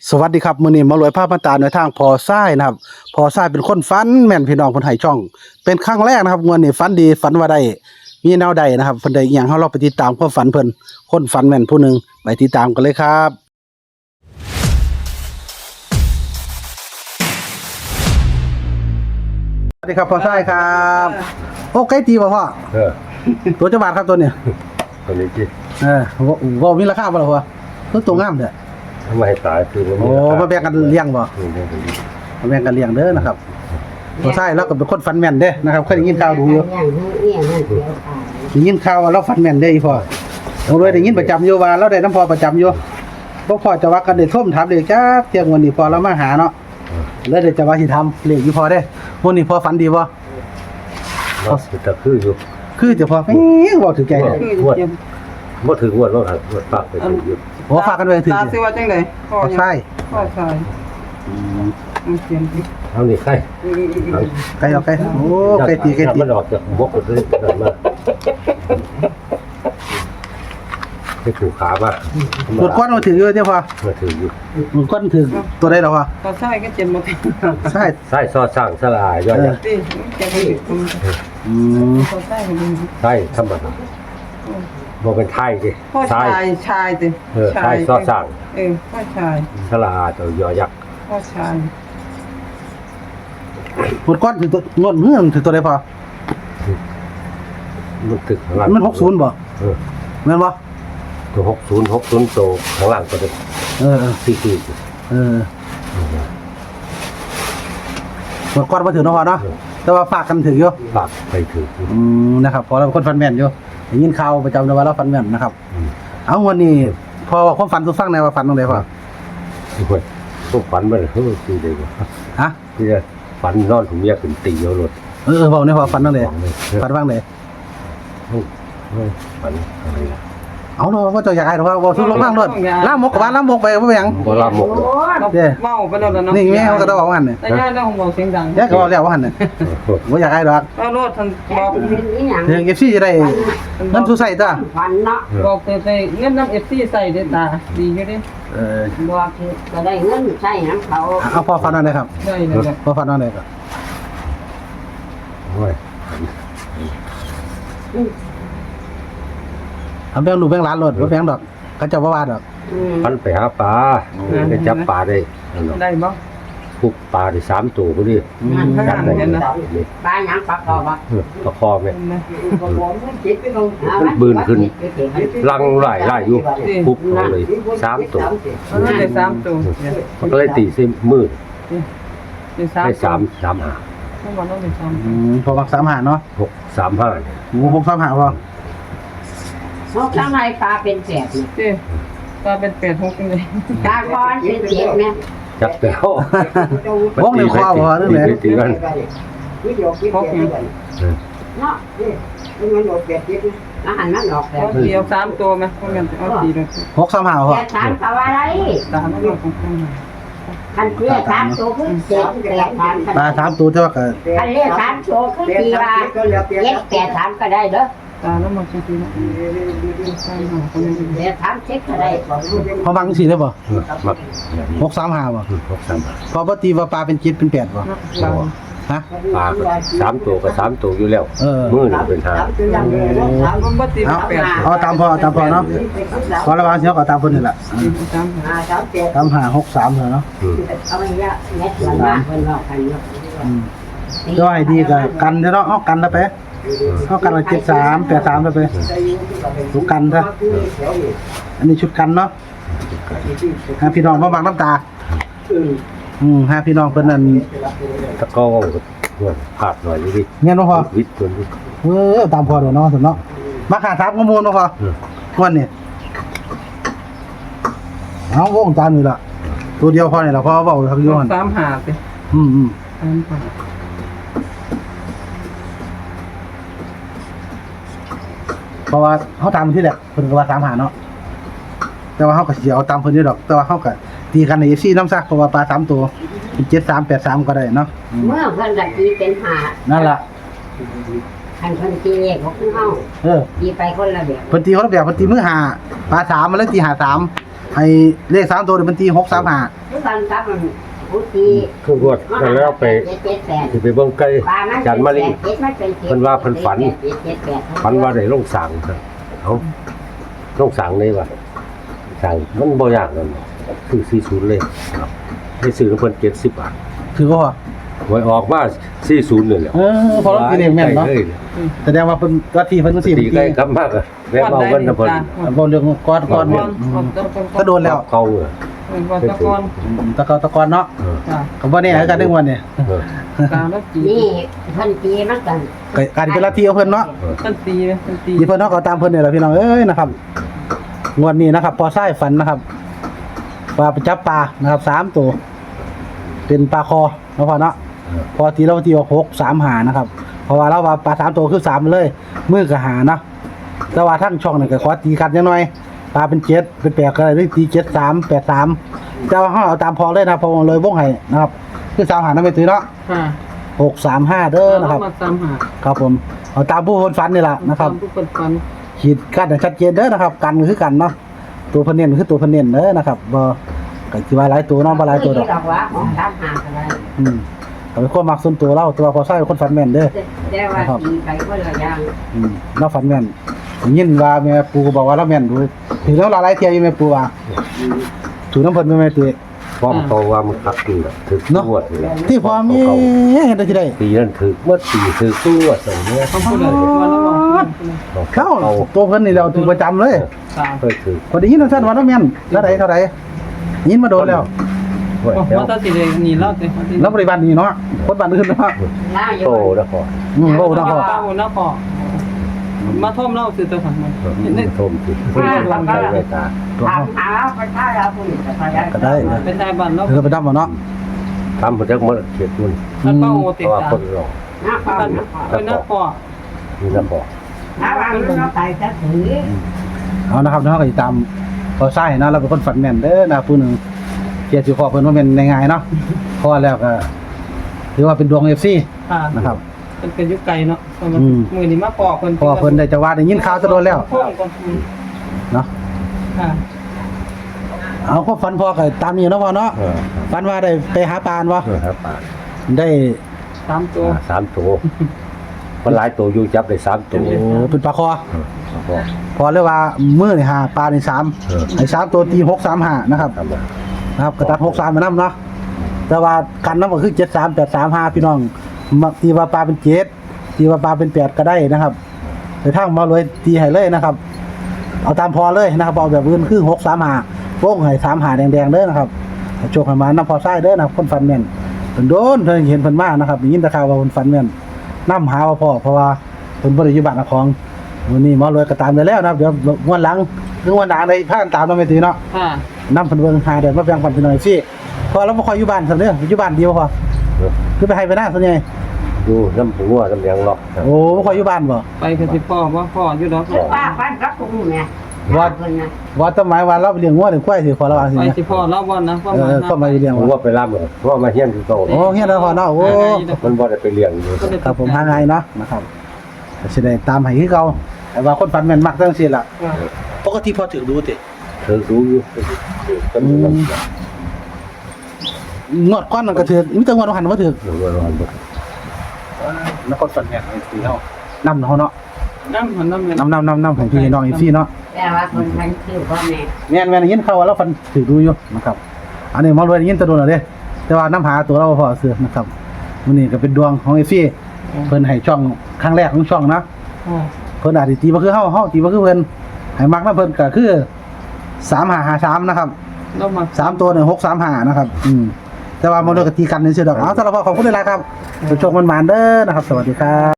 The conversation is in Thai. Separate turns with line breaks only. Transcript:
สวัสดีครับมื้อนี้มารวยภาพมาตาในทางพอซ้ายนะครับพอซ้ายเป็นคนฝันแม่นพี่น้องเพิ่นให้ช่องเป็นครั้งแรกนะครับงวดนี้ฝันดีฝันว่าได้มีแนวใดนะครับเพิ่นได้อีหยังเฮาเราไปติดตามความฝันเพิ่นคนฝันแม่นผู้หนึงไปติดตามกันเลยครับสวัสดีครับพอซ้ายครับโอ้ไก่ตีบ่พ่อตัวจักบาทครับตัวเนี้ย
ตัวนี้ที่
บ่มีราคาบ่ล่ะพ่อตัวงามเด้อ
ทำไมตายคือมัน
โอ้มาแบ่งกันเลี้ยงบ่มาแบ่งกันเลี้ยงเด้อนะครับพอซ้ายเราก็เป็นคนฝันแม่นเด้นะครับเคยได้ยินข่าวดูอยู่ได้ยินข่าวว่าเราฝันแม่นเด้อีพ่อเราเลยได้ยินประจำอยู่ว่าเราได้น้ำพอประจำอยู่บ่พอจะว่ากันได้ท่มถามเลยจ้าเที่ยงวันนี้พอเรามาหาเนาะเลยได้จะว่าสิทำเลขอยู่พอเด้วันนี้พอฝันดีบ่
เราจะคืออยู่
คือจะพอบ่ถึงใจเลย
บ่ถึงงวดว่าครับงวดฝากไปถึงอยู่
บ่ฝากกันไว้ถึง
ตาสิว่าจังได๋
พอใช่
ใช่เขียนดิ
เอานี่ใคร
ไก่เอาไก่โอ้ไก่ตี
มันออกจากบกก็เลยนั่นมาให้ถูกขาป่ะ
ตัวก้อนมาถึงอยู่เด้พอ
มาถึงอยู่
มันก้อนถึงตัวได้แล้วพอ
ตาใช่ก็เจ็บหมด
ใช่
ใช่ซอสร้างสลายย่อย
ดิจะให้ตาใช่ก็ดี
ใช่ธรรมดาบ่เป็นไทยดิ
ชายติ
ชายซอสร้าง
พ่อชาย
สลาตัวยอยักษ์
พ่อชาย
ตัวก้อนถึงตัวงดเมื่อถึงตัวได้พอ
มันตึกข้างล่าง
มัน60บ่แม่นบ่
ตัว60โตข้างล่างตัวเด็กสี่
ตัวก้อนมาถึงเนาะพอเนาะแต่ว่าฝากกันถึงอยู่
ฝากไปถึง
นะครับพอเราเป็นคนฟันแม่นอยู่ได้ยินข่าวประจำเลยว่าเราฟันแม่นนะครับเอาวันนี้พอความฝันตัวฟังในว่าฝันตรงไหนพอ
พวกฝันมันคือเลย
ฮะ
ที่จะฝันนอนถุงเมียขึ้นตีเอารถ
บอกนี่พอฝันตรงไหนฝันบ้างไหน
ฝันอะไรล่ะ
เอาเนาะว่าจะอยากให้หรือว่าทุกลงบ้างรถล่ามกกับบ้านล่ามกไปว่าอย่าง
ล่ามก
เมาไปแล้วเนาะ
นี่แม่เขาก็ต้องบอกว่าหันเนี่ย
แต่ย่าต้องบอกเสียงดัง
ย่าก็บอกแล้วว่าหันเนี่ยว่าอยากให้หรอก
เอารถท่านบอก
เดี๋ยวเก็บซี่จะได้น้ำสู้ใส่จ้า
ฝันเนาะบอกแต่เงินน้ำFCใส่เด้ตาดีอยู่ดิ
บอกจะได้เงินใช้น้ำเขา
เอาพอฟันอะไรครับ
ได้เลย
พอฟันอะไรครับ
โอ้ย
เอาแบงค์ดูแบงค์ร้านรถว่าแบงค์ดอกก็จะว่าดอก
พันไปหาปลาไปจับปลาได้
บ่
พุกปลาได้3ตัวพอดี
จับได้
ปลาหยังปลาคอบ่
ปลาคอแม่บืนขึ้นลังไล่อยู่พุกเลย3ตัว
ได้3ตัว
มันก็เลยตีซิมืดได้3หา
พอมัก3หาเนาะ
635
6 3หาพอ
ข้างในปลาเป็นแสบ
ปลาเป็น8 6จังได๋
ปลาคอนเป็นเจ็บแม่
จับแล้ว
วงในคอบ่นั่นแหละ
ตีกัน
เนาะมันโดดเป็ดยิบอาหารมันดอกแล้ว
เดียว3ตัวมั้ยบ่แม่นเอา4เลย
6 3หาพอ
แต่3ก็ว่าได้
3มันของ
คันเรียก3ตัวคือเจ็บ
ปลา3ตัวเท่ากับ
คันเรียก3ตัวคือตีว่า7 8 3ก็ได้เด้อ
ตาแล้วมาจริงๆ
เดี๋ยว3เช็คก็ได้
พอบังสิได้บ่6 3หาบ่พอบ่ตีว่าปลาเป็น7เป็น8บ่ฮะ
ปลา3ตัวกับ3ตัวอยู่แล้วมื้อนึงเป็น5
มันบ่ตี8
เอาตามพอเนาะพอระวังเสียก็ตามเพิ่นนี่แหละ3 5 6 3เนาะ
เอาไว้ละแม่มันมาเพิ่นเนาะกันเนาะ
ก็ให้ดีก็กันเนาะเอากันแล้วไปเขากันละ73 83แล้วไปทุกกันซะอันนี้ชุดกันเนาะหาพี่น้องมาบังน้ำตาหาพี่น้องเพิ่นนั่น
ตะก้อขาดหน่อยนิด
เงี้ยเนาะพอ
วิทย์ตัวนี้
ตามพอเด้อเนาะเนาะมาขา3ข้อมูลเนาะพอวันนี้เอาวงจานนี่ล่ะตัวเดียวพอนี่ล่ะพอเว้าทักอยู่หั่น
3หาติ3หา
เพราะว่าเขาตามที่แหละเพิ่นก็ว่า3หาเนาะแต่ว่าเขาก็สิเอาตามเพิ่นอยู่ดอกแต่ว่าเขาก็ตีกันใน FC นำซะเพราะว่าปลา3ตัวเป็น73 83ก็ได้เนาะ
เมื่อเพิ่นก็ตีเป็นหา
นั่นล่ะ
คันเพิ่นตีเลขของเฮาตีไปคนละแบบ
เพิ่นตีคนละแบบเพิ่นตีมือ5ปลา3มันเลยตี53 ให้เลข3ตัวนี่มันตี635
ทุกวันครับมันอุตี
คือรวดกันแล้วไปสิไปเบิ่งไก่จันมาลิเพิ่นว่าเพิ่นฝันว่าได้ลงสางครับเอ้าลงสางเลยว่ะสางมันบ่ยากนั่นคือ40เลยครับให้ซื้อเพิ่น70 บาท
ถือว่า
หวยออกมา40นี่แหละ
พอเราตีเลขแม่นเนาะแสดงว่าเพิ่นว่าที่เพิ่นสิ
ตีใกล้กลับมากอะแม่เมาเงินนะเพิ่น
บ่เรื่องก้อนเนี่ยก็โดนแล้ว
เขาเออ
วันตะกอน
ตะกอนเนาะ
จ้ะ
ก็บ่แน่กันนึงวันเนี่ย
เออก
ลางแล้วจี
นี่พันตีมันกัน
การเป็นลัทธิของเพิ่นเนาะ
ตันตีตันตี
ที่เพิ่นเนาะก็ตามเพิ่นนี่แหละพี่น้องเอ้ยนะครับงวดนี้นะครับพอไส้ฝันนะครับว่าไปจับปลานะครับ3ตัวเป็นปลาคอเนาะพ่อเนาะพอตีเราตีว่า6 3 5นะครับเพราะว่าเราว่าปลา3ตัวคือ3เลยมือก็หาเนาะแต่ว่าทั้งช่องนี่ก็ขอตีกันจังหน่อยปลาเป็น7เป็น8ก็ได้หรือตี7 3 8 3แต่ว่าเฮาเอาตามพอเลยนะพอเลยวงให้นะครับคือ3หานำไปตีเนาะ
ค่ะ
635เด้อนะครับ
มาตามหา
ครับผมเอาตามผู้คนฝันนี่ล่ะนะครับ
ทุกคนฟัน
ขีดกั้นให้ชัดเจนเด้อนะครับกันคือกันเนาะตัวเพิ่นเน้นคือตัวเพิ่นเน้นเด้อนะครับบ่ก็สิว่าหลายตัวเนาะบ่หลายตัวดอก
ดอกว่าของตามหาอะไร
ก็เป็นความมักส่วนตัวเราตัวพอใช้เป็นคนฝันแม่นเด้อ
แต่ว่าตีไปคนละอย่าง
เราฝันแม่นยินว่าแม่ปู่ก็บอกว่าเราแม่นดูถึงแล้วหลายเที่ยอยู่แม่ปู่ว่าถูกน้ำเพิ่นแม่ตุ้ย
พร้อมเขาว่ามันคักอยู่แล้วถึกงวดนี่แหละ
ที่พอมีเห็นได้ที่ใด
ปีนั้นถึกเมื่อปีถึกงวด2เนี่ย
เขาพูดเลยวันละวัน
เข้าตัวเพิ่นนี่เราถึงประจำเลย
สาม
เคยถึก
พอได้ยินว่าซั่นว่าเราแม่นเท่าใดยินมาโดนแล้ว
หวย
โอ้
แล้ว
ว่าตัดสิเลยนี่เล่าเลย
แล้วบริบาลนี่เนาะคนบ้านอื่นเนาะ
ล่าอยู่
โตแล้วพอ
โลนะพ่อ
ป้าหมดแล้วพอมาท่อมเล่าคือตัวของมันเห็นได้
โทมสิเพิ่นวางใจไว้ตา
ตัว
ถาม
เฮา
หาไปท่าเราผู้นี้แต่
ก็ได้นะ
เป็นนายบ้านแล้ว
เธอไปดับมาเนาะ
ทำบ่จักมื้อเขียดมัน
แล้วก็โอ
เพ
ติด
ราะว่า
ตา
คนรอ
หน้าฟ้า
เป็นนักพอ
นี่แล้วพอ
หน้าฟ้าเราใส่จะถือ
เอานะครับเนาะก็สิตามพอใช้นะเราเป็นคนฝันแม่นเด้อนะผู้หนึงเกียรติสิขอเพิ่นว่าแม่นง่ายๆเนาะพอแล้วก็ถือว่าเป็นดวง FC
ค่ะ
นะครับ
เป็นยุคไก่เนาะมือนี้มาปอกคน
พอเพิ่นได้จะว่าได้ยินข่าวจะโดนแล้วเนาะ
ค่ะ
เอาความฝันพอก็ตามนี้เนาะพ่อเนาะ
เออ
ฝันว่าได้ไปหาปลาบ่
ครับป่า
ได้
3ตัว
3ตัวมันหลายตัวอยู่จับได้3ตัว
โอ้เป็นปลาคอ
พอ
พอเรียกว่ามื้อนี่หาปลานี่3ไอ้3ตัวตี635นะครับ
ทำมา
นะครับกระตัด63มานำเนาะแต่ว่ากันนำก็คือ73 835พี่น้องมักตีว่าปลาเป็น7ตีว่าปลาเป็น8ก็ได้นะครับไปทางมารวยตีให้เลยนะครับ เอาตามพอเลยนะครับเอาแบบอื่นคือ635วงให้35แดงๆเด้อนะครับโชคให้มานำพอซ้ายเด้อนะครับคนฟันแม่นเพิ่นโดนเพิ่นเห็นเพิ่นมานะครับได้ยินแต่ข่าวว่าเพิ่นฟันแม่นนำหาว่าพ่อเพราะว่าเพิ่นบ่ได้อยู่บ้านนครวันนี้หมารวยก็ตามได้แล้วนะครับเดี๋ยววันหลังหรือวันหน้าได้พากันตามเราไม่ตีเนาะ
ค่ะ
นำเพิ่นเบิ่งหาเดือนมาแบ่งปันพี่น้อยสิพอเราบ่ค่อยอยู่บ้านซั่นเด้ออยู่บ้านเดียวพอคือไปให้ไปหน้าส่วนใหญ่
ดูน้ำหัวน้ำยังหรอก
โอ้บ่ค่อยอยู่บ้านบ่
ไปกับสิพ่อว่าพ่ออยู่ดอก
ป้าปั้นรับกุ้งเนี่ยคนนะ
ว่าต้นไม้ว่าเราไปเลี้ยงงัวเลี้ยงควายสิขอระวังสิ
ไป
นะ
สิพ่อเล่าวันนะว่า
ก็มาเลี้ยง
ผม
ว่า
ว่าไปรับเลยเพราะว่ามาเฮียนคือโต
โอ้เฮียนแล้วพอเนาะโอ้
มันบ่ได้ไปเลี้ยงอยู่
ครับผมหาง่ายเนาะนะครับก็สิได้ตามให้คือเก่าแต่ว่าคนฝันแม่นมักจังซี่ล่ะปกติพอถือดูติ
เธอรู้อยู่ก็มีน้ำ
งวดก่อนนั่นก็ถือมีแต่งวดหันบ่ถือ
หรือว่าร้อนบ่
แล้วคนฝันแม่นสิเฮานำเฮาเนาะ
น้ำหันน้ำเงิน
นำให้พี่น้องอีกซี่เนาะ
แต่ว่าคนทันคิวพ่อแม่
แม่นยินเขาว่าเราฟันถือดูอยู่นะครับ อันนี้หมารวยได้ยินแตะโดนแล้วเด้แต่ว่าน้ำหาตัวเราบ่พอเสือนะครับมื้อนี้ก็เป็นดวงของเอฟี่เพิ่นให้ช่องครั้งแรกของช่องนะเพิ่นอาจสิตีบ่คือเฮาตีบ่คือเพิ่นให้มักนำเพิ่นก็คือ3553นะครับ
เรามา
3ตัวเนี่ย635นะครับแต่ว่าหมารวยก็ตีกันซื่อๆดอกเอาสำหรับขอบคุณหลายๆครับโชคมันหมานเด้อนะครับ สวัสดีครับ